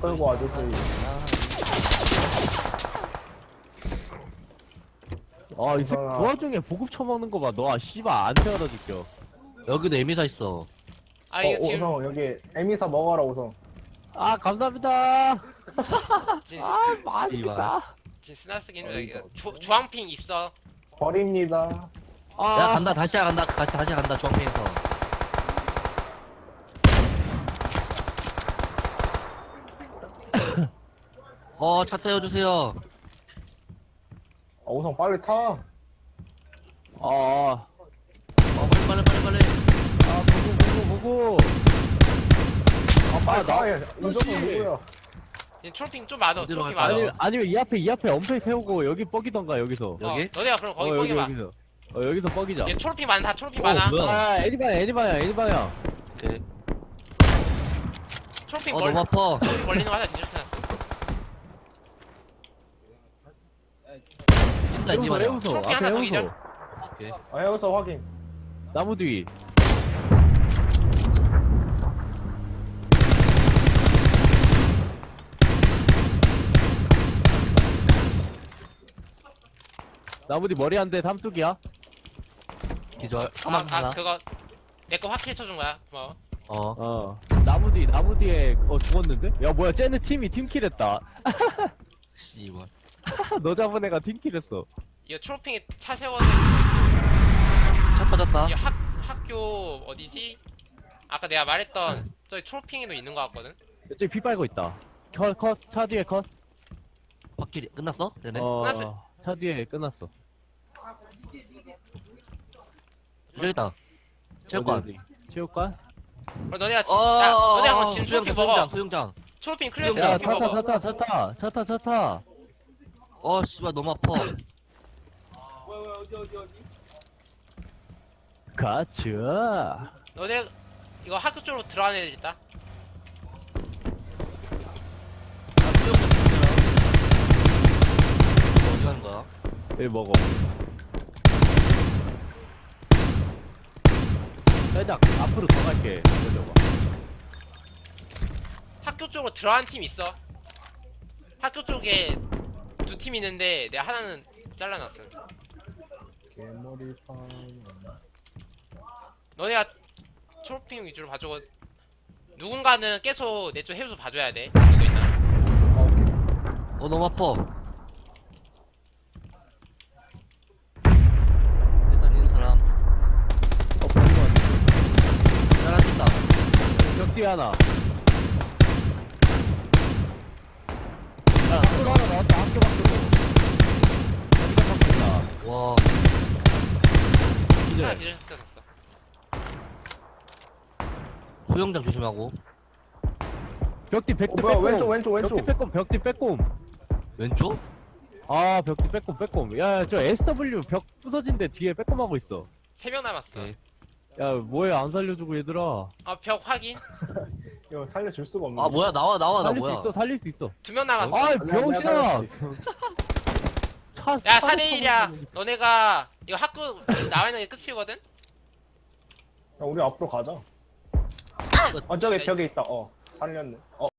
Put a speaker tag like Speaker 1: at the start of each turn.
Speaker 1: 끌고 와주세요.
Speaker 2: 아, 이 새끼
Speaker 1: 우선아.
Speaker 2: 그 와중에 보급 처먹는 거 봐. 너, 씨발, 안 태워다 줄겨.
Speaker 3: 여기도 에미사 있어.
Speaker 4: 아 이거 지금
Speaker 1: 오성, 여기 에미사 먹어라, 오성.
Speaker 2: 아, 감사합니다.
Speaker 4: 지금,
Speaker 2: 아, 맛있다.
Speaker 4: 지금 스나 쓰기 힘들어. 이거 주황핑 있어.
Speaker 1: 버립니다.
Speaker 3: 야,
Speaker 2: 아,
Speaker 3: 간다. 다시 간다. 다시 간다. 중앙에서. 차 태워주세요.
Speaker 1: 오성 빨리 타.
Speaker 2: 아,
Speaker 3: 빨리.
Speaker 2: 아, 보고.
Speaker 1: 빨리 타.
Speaker 2: 나-
Speaker 1: 운전은 누구야?
Speaker 4: 지금 초록핑 좀 많아.
Speaker 3: 어디로
Speaker 4: 초록핑
Speaker 3: 갈까요?
Speaker 4: 많아.
Speaker 2: 아니면 이 앞에 엄폐 세우고 여기 뻑이던가, 여기서.
Speaker 3: 여기?
Speaker 4: 너네가 그럼 거기 뻑이 봐.
Speaker 2: 여기서. 여기서 뻑이자.
Speaker 4: 얘 초록핑 많다. 초록핑 많아.
Speaker 3: 뭐야?
Speaker 2: 아, 애니 방향.
Speaker 3: 오케이.
Speaker 4: 초록핑
Speaker 3: 너무 아파.
Speaker 4: 걸리는 거 하나 뒤집혀놨어.
Speaker 3: 뛴다,
Speaker 2: 해우소,
Speaker 3: 이제
Speaker 2: 해우소.
Speaker 4: 초록핑
Speaker 2: 앞에
Speaker 4: 하나 더
Speaker 2: 해우소.
Speaker 4: 기절.
Speaker 3: 오케이.
Speaker 1: 여기서 확인.
Speaker 2: 나무 뒤. 나무 뒤 머리 한 대 삼뚝이야.
Speaker 3: 기절. 사망 하나.
Speaker 4: 그거 내 거 확실히 쳐준 거야. 고마워.
Speaker 2: 나무 뒤에 죽었는데? 야, 뭐야, 쟤네 팀이 팀킬했다.
Speaker 3: 씨발.
Speaker 2: 너 잡은 애가 팀킬했어.
Speaker 4: 이거 초록핑에 차 세워서
Speaker 3: 차 터졌다.
Speaker 4: 이 학교 어디지? 아까 내가 말했던 저기 초록핑에도 있는 거 같거든.
Speaker 2: 저기 피 빨고 있다. 차 뒤에 컷.
Speaker 3: 확실히 끝났어? 되네.
Speaker 4: 끝났어.
Speaker 2: 차 뒤에 끝났어.
Speaker 3: 저기 있다. 체육관.
Speaker 2: 어디? 체육관?
Speaker 4: 그럼 너네가 너네가 그럼 지금 초록핑 먹어.
Speaker 3: 수영장.
Speaker 4: 초록핑 클래스
Speaker 2: 야,
Speaker 4: 초록핑 먹어.
Speaker 2: 차 타.
Speaker 3: 씨발, 너무 아파.
Speaker 2: 가자.
Speaker 4: 너네 이거 학교 쪽으로 들어가는 애들 있다.
Speaker 3: 어디 가는 거야?
Speaker 2: 여기 먹어. 살짝 앞으로 더 갈게. 내려봐.
Speaker 4: 학교 쪽으로 들어간 팀 있어. 학교 쪽에 두 팀 있는데 내가 하나는 잘라놨어.
Speaker 1: 개머리 파.
Speaker 4: 너네가 초록핑 위주로 봐주고 누군가는 계속 내 쪽 해우소 봐줘야 돼. 누구 있나?
Speaker 3: 너무 아파. 일단 있는 사람.
Speaker 2: 버리고 왔네.
Speaker 3: 잘한다.
Speaker 2: 벽 뒤에 하나. 야, 학교 하나 나왔다. 학교 밖으로. 여기다 바꾼다.
Speaker 3: 와.
Speaker 4: 하나
Speaker 2: 기절.
Speaker 4: 뒤졌어.
Speaker 3: 수영장 조심하고.
Speaker 2: 벽뒤 백대
Speaker 1: 뭐야,
Speaker 2: 빼꼼.
Speaker 1: 왼쪽.
Speaker 2: 벽뒤 빼꼼.
Speaker 3: 왼쪽?
Speaker 2: 아, 벽뒤 빼꼼. 야, 저 SW 벽 부서진데 뒤에 빼꼼하고 있어.
Speaker 4: 3명 남았어.
Speaker 3: 오케이.
Speaker 2: 야, 뭐해, 안 살려주고, 얘들아.
Speaker 4: 벽 확인.
Speaker 1: 이거 살려줄 수가 없네.
Speaker 3: 뭐야, 나와, 나
Speaker 2: 살릴
Speaker 3: 뭐야.
Speaker 2: 수 있어, 살릴 수 있어.
Speaker 4: 2명 남았어.
Speaker 2: 아이,
Speaker 1: 내가
Speaker 2: 병신아!
Speaker 1: 살릴게.
Speaker 4: 야,
Speaker 2: 차로
Speaker 4: 4대1이야.
Speaker 2: 타고
Speaker 4: 너네가 이거 학교 나와 있는 게 끝이거든?
Speaker 1: 우리 앞으로 가자. 저기 벽에 있다. 살렸네.